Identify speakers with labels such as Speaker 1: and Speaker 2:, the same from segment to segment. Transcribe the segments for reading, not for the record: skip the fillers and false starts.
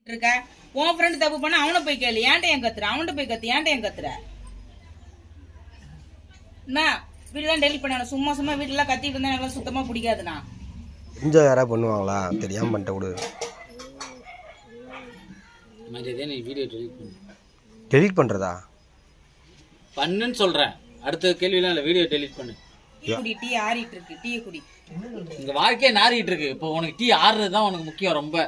Speaker 1: இருக்க உன் ஃப்ரெண்ட் தப்பு பண்ண அவனை போய் கேளு. ஏன்ட்ட ஏன் கத்துற? அவன்கிட்ட போய் கத்து. ஏன்ட்ட ஏன் கத்துற? என்ன வீடுலாம் டெலிட் பண்ண? சும்மா சும்மா வீட்டுலாம் கத்திட்டு இருந்தா எனக்கு சுத்தமா பிடிக்காதுண்ணா.
Speaker 2: என்ஜாய் யாராவது பண்ணுவாங்களா? தெரியாம பண்ணிட்ட கூட.
Speaker 3: நீ வீடியோ டெலிட் பண்ணு.
Speaker 2: டெலிட் பண்றதா?
Speaker 3: பண்ணுன்னு சொல்றேன். அடுத்த கேள்விலாம் இல்லை, வீடியோ டெலிட் பண்ணு.
Speaker 1: குடி, டீ ஆறிட்டு இருக்கு. டீயை குடி.
Speaker 3: இங்க வாழ்க்கையே நாறிட்டு இருக்கு. இப்போ உனக்கு டீ ஆறுறது தான் உனக்கு முக்கியம். ரொம்ப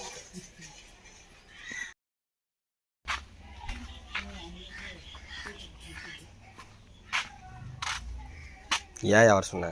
Speaker 2: ஏன் யார் சொன்ன?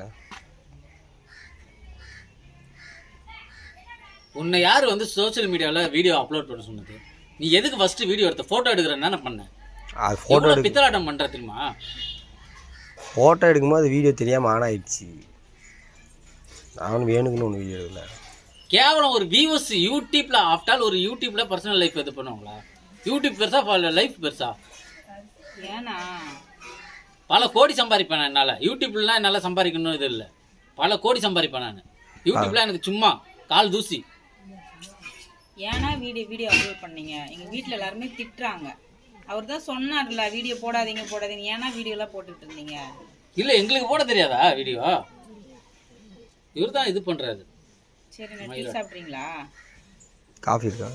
Speaker 3: உன்னை யார் வந்து சோஷியல் மீடியாவில் வீடியோ அப்லோட் பண்ண சொன்னது? நீ எதுக்கு ஃபர்ஸ்ட் வீடியோ எடுத்த? ஃபோட்டோ எடுக்கிறேன்னு என்ன பண்ண?
Speaker 2: அது ஃபோட்டோ
Speaker 3: பித்தலாட்டம் பண்ற தெரியுமா?
Speaker 2: ஃபோட்டோ எடுக்கும்போது வீடியோ தெரியாமல் ஆன் ஆயிடுச்சு. நானும் வேணுக்குன்னு ஒன்று வீடியோ எடுக்கல.
Speaker 3: கேவலம் ஒரு வியூஸ் யூடியூப்ல ஆஃப்டால் ஒரு யூடியூப்ல பர்சனல் லைஃப் இது பண்ணுவாங்களா? யூடியூப் பெருசா லைஃப் பெருசா?
Speaker 1: ஏன்னா
Speaker 3: பல கோடி சம்பாதிப்பேன் என்னால். யூடியூப்லாம் என்னால் சம்பாதிக்கணும் இது இல்லை. பல கோடி சம்பாதிப்பேன் நான். யூடியூப்ல எனக்கு சும்மா கால் தூசி.
Speaker 1: ஏன்னா வீடியோ அப்லோட் பண்ணீங்க? எங்க வீட்டில் எல்லாருமே திட்டுறாங்க. அவர் தான் சொன்னார்ல வீடியோ போடாதீங்க போடாதீங்க. ஏன்னா வீடியோலாம் போட்டுட்டு இருந்தீங்க?
Speaker 3: இல்லை, எங்களுக்கு போட தெரியாதா வீடியோ? இவர் தான் இது பண்ணுறாரு.
Speaker 1: சரி, நான் டீ சாப்பிட்றீங்களா?
Speaker 2: காஃபி இருக்கா?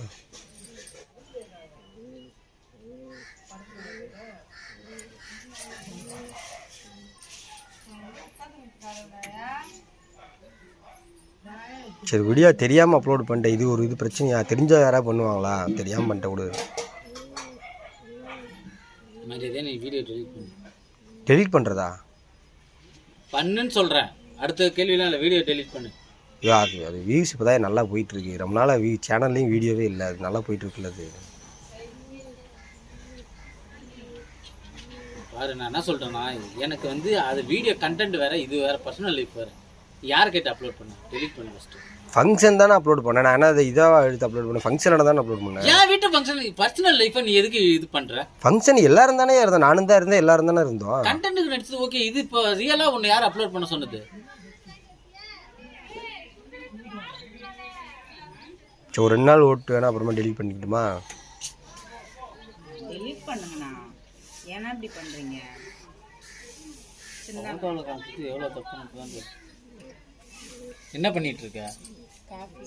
Speaker 2: சரி, வீடியோ தெரியாமல் அப்லோட் பண்ணிட்டேன். இது ஒரு இது பிரச்சனையா? தெரிஞ்சா யாராவது பண்ணுவாங்களா? தெரியாமல் பண்ணிட்ட கூட.
Speaker 3: நீ வீடியோ டெலிட் பண்ணு.
Speaker 2: டெலிட் பண்ணுறதா?
Speaker 3: பண்ணுன்னு சொல்கிறேன். அடுத்த கேள்விலாம் இல்லை, வீடியோ டெலிட் பண்ணு.
Speaker 2: அது வியூஸ் இப்போ தான் நல்லா போயிட்டுருக்கு. ரொம்ப நாளாக சேனல்லையும் வீடியோவே இல்லை. அது நல்லா போயிட்டுருக்குல்ல. அது
Speaker 3: பாரு, நான் என்ன சொல்கிறேன்னா, எனக்கு வந்து அது வீடியோ கண்டென்ட் வேறு, இது வேறு, பர்சனல் லைஃப் வேறு. யார் கேட்டு அப்லோட் பண்ண? டெலிட் பண்ணு ஃபஸ்ட்டு.
Speaker 2: ஃபங்க்ஷன் தானே அப்லோட் பண்ணேன். நான் என்ன அதை இதாக எடுத்து அப்லோட் பண்ணேன்? ஃபங்க்ஷனோட தானே அப்லோட் பண்ணேன்.
Speaker 3: என் வீட்டு ஃபங்க்ஷன் பர்சனல் லைஃப்பை நீ எதுக்கு இது பண்ணுற?
Speaker 2: ஃபங்க்ஷன் எல்லாரும் தானே இருந்தோம். நானும் தான் இருந்தேன், எல்லாரும் தானே இருந்தோம்.
Speaker 3: கண்டென்ட்டுக்கு நடிச்சது ஓகே. இது இப்போ ரியலாக ஒன்று யார் அப்லோட் பண்ண சொன்னது?
Speaker 2: சரி, ஒரு 2 நாள் ஓட்டு வேணா, அப்புறமா டெலிட் பண்ணிக்கிட்டுமா?
Speaker 1: டெலிட் பண்ணுங்கண்ணா. ஏன்னா இப்படி பண்றீங்க?
Speaker 3: எவ்வளோ தப்பு. என்ன பண்ணிட்டு இருக்க?
Speaker 1: காஃபி.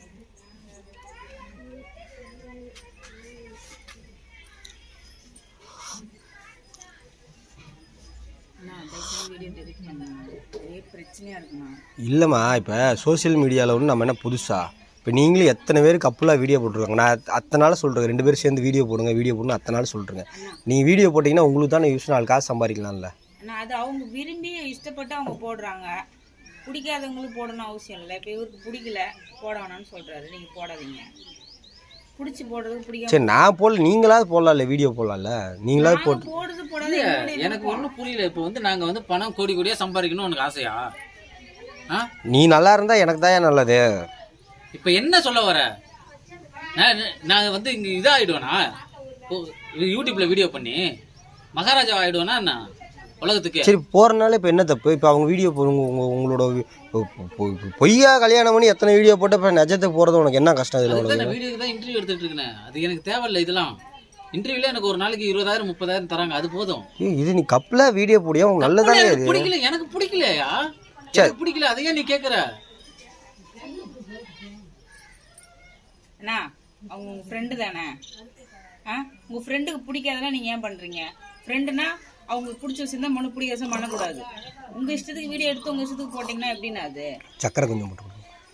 Speaker 2: இல்லைம்மா, இப்போ சோசியல் மீடியாவில் ஒன்று நம்ம என்ன புதுசா? இப்போ நீங்களும் எத்தனை பேர் கப்புலாக வீடியோ போட்டுருக்காங்க. நான் அத்தனை நாள் சொல்கிறேன், 2 பேரும் சேர்ந்து வீடியோ போடுங்க வீடியோ போடணும் அத்தனை நாள் சொல்கிறேங்க. நீங்கள் வீடியோ போட்டிங்கன்னா உங்களுக்கு தானே யூஸ், 4 காசு சம்பாதிக்கலாம்ல.
Speaker 1: அது அவங்க விரும்பி இஷ்டப்பட்டு அவங்க போடுறாங்க. பிடிக்காதவங்களுக்கு போடணும் அவசியம் இல்லை. இப்போ இவருக்கு பிடிக்கல, போட வேணாம்னு சொல்கிறாரு. நீங்கள் போடாதீங்க. பிடிச்சி போடுறது பிடிக்காம.
Speaker 2: சரி, நான் போடல, நீங்களாவது போடலாம்ல, வீடியோ போடலாம்ல. நீங்களாவது
Speaker 1: போடுறது போடாது.
Speaker 3: எனக்கு ஒன்றும் புரியல. இப்போ வந்து நாங்கள் வந்து பணம் கோடி கோடியாக சம்பாதிக்கணும் உனக்கு ஆசையா?
Speaker 2: நீ நல்லா இருந்தா எனக்கு தான் நல்லது.
Speaker 3: இப்போ என்ன சொல்ல வர? நான் வந்து இங்கே இதாகிடுவேனா? யூடியூப்ல வீடியோ பண்ணி மகாராஜா ஆகிடுவேனா என்ன உலகத்துக்கு?
Speaker 2: சரி, போகிறனால இப்போ என்ன தப்பு? இப்போ அவங்க வீடியோ உங்களோட பொய்யா கல்யாணம் பண்ணி எத்தனை வீடியோ போட்டு இப்போ நிஜத்துக்கு போகிறது உனக்கு என்ன கஷ்டம்?
Speaker 3: இதில் வீடியோக்கு தான் இன்டர்வியூ எடுத்துகிட்டு இருக்கேன். அது எனக்கு தேவையில்லை. இதெல்லாம் இன்டர்வியூல எனக்கு ஒரு நாளைக்கு 20,000 30,000 தராங்க. அது போதும்.
Speaker 2: இது நீ கப்பில் வீடியோ போடியா? உங்க நல்லதானே?
Speaker 3: பிடிக்கல, எனக்கு பிடிக்கலையா? பிடிக்கல, அதையே நீ கேட்குற?
Speaker 1: அண்ணா, அவங்க உங்கள் ஃப்ரெண்டு தானே? உங்கள் ஃப்ரெண்டுக்கு பிடிக்காதெல்லாம் நீங்கள் ஏன் பண்ணுறீங்க? ஃப்ரெண்டுனா அவங்களுக்கு பிடிச்ச விஷயம் தான், மனு பிடிக்காத விஷயம் பண்ணக்கூடாது. உங்கள் இஷ்டத்துக்கு வீடியோ எடுத்து உங்கள் இஷ்டத்துக்கு போட்டிங்கன்னா எப்படின்னா? அது
Speaker 2: சக்கரை கொஞ்சம் போட்டு.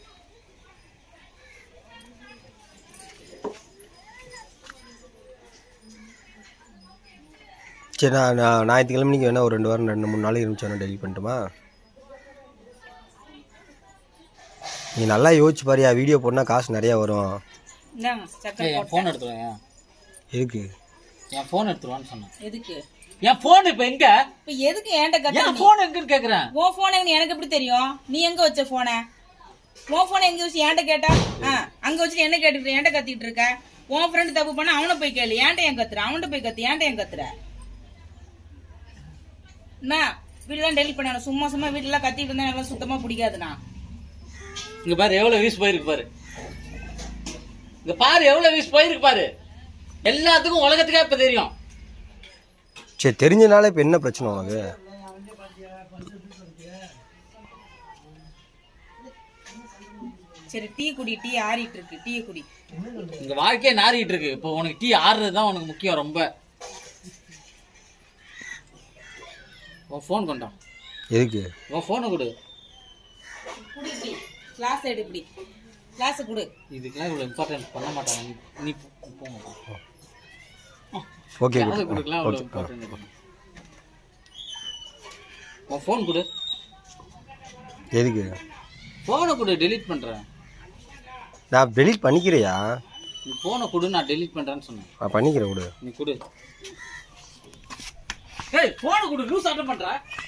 Speaker 2: சரி, நான் ஞாயிற்றுக்கிழமை நீங்கள் வேணா ஒரு 2 வாரம் 2-3 நாள் இருந்துச்சு டெலிட் பண்ணிட்டுமா? நீ நல்லா யோசிச்சு பாரியா, வீடியோ போட்டால் காசு நிறையா வரும்.
Speaker 3: என் ஃபோன் எடுத்துருவேன்.
Speaker 2: எதுக்கு?
Speaker 3: என் ஃபோன் எடுத்துருவான்னு சொன்னேன்.
Speaker 1: எதுக்கு?
Speaker 3: என் ஃபோன் இப்போ எங்க?
Speaker 1: இப்போ எதுக்கு என்கிட்ட கத்த?
Speaker 3: என் ஃபோன் எங்கன்னு கேட்குறேன்.
Speaker 1: உன் ஃபோன் எங்க எனக்கு எப்படி தெரியும்? நீ எங்கே வச்ச ஃபோனை? உன் ஃபோனை எங்கே வச்சு என்கிட்ட கேட்டா? அங்கே வச்சுட்டு என்ன கேட்டுட்டு என்கிட்ட கத்திட்டு இருக்க? உன் ஃப்ரெண்டு தப்பு பண்ண அவனை போய் கேளு. ஏன்ட்ட ஏன் கத்துற? அவன்கிட்ட போய் கத்து. ஏன்ட்ட ஏன் கத்துற? என்ன வீடுலாம் டெலிட் பண்ண? சும்மா சும்மா வீட்டுலாம் கத்திட்டு இருந்தா எனக்கு சுத்தமாக பிடிக்காதுண்ணா.
Speaker 3: இங்கே பாரு, எவ்வளோ வியூஸ் போயிருக்கு பாரு. இங்க பாரு எவ்வளவு வீஸ் போயிருக்கு பாரு. எல்லாத்துக்கும் உலகத்துக்கே இப்ப தெரியும்.
Speaker 2: சரி தெரிஞ்சனால இப்போ என்ன பிரச்சனை உனக்கு?
Speaker 1: சரி டீ குடி, டீ ஆறிட்டு இருக்கு, டீயை குடி.
Speaker 3: இங்க வாழ்க்கையே நாறிட்டு இருக்கு. இப்போ உனக்கு டீ ஆறுறது தான் உனக்கு முக்கியம் ரொம்ப. உன் ஃபோன் கொண்டா.
Speaker 2: எதுக்கு?
Speaker 3: உன் ஃபோனை கொடு.
Speaker 1: குடி டீ, கிளாஸ் எடு, இப்படி கிளாஸ் கொடு.
Speaker 3: இதுக்கெல்லாம் இவ்வளவு இம்பார்ட்டன்ஸ் பண்ண மாட்டாங்க. நீ போங்க.
Speaker 2: ஓகே
Speaker 3: கொடுக்கலாம் இவ்வளவு இம்பார்ட்டன்ஸ். உன் ஃபோன் கொடு.
Speaker 2: எதுக்கு?
Speaker 3: ஃபோனை கொடு, டெலீட் பண்றேன்.
Speaker 2: நான் டெலீட் பண்ணிக்கிறியா?
Speaker 3: நீ ஃபோனை கொடு, நான் டெலீட் பண்றேன்னு சொன்னேன்.
Speaker 2: நான் பண்ணிக்கிறேன் கொடு.
Speaker 3: நீ கொடு. ஏய் ஃபோனை கொடு, லூஸ் ஆட்டம் பண்ற.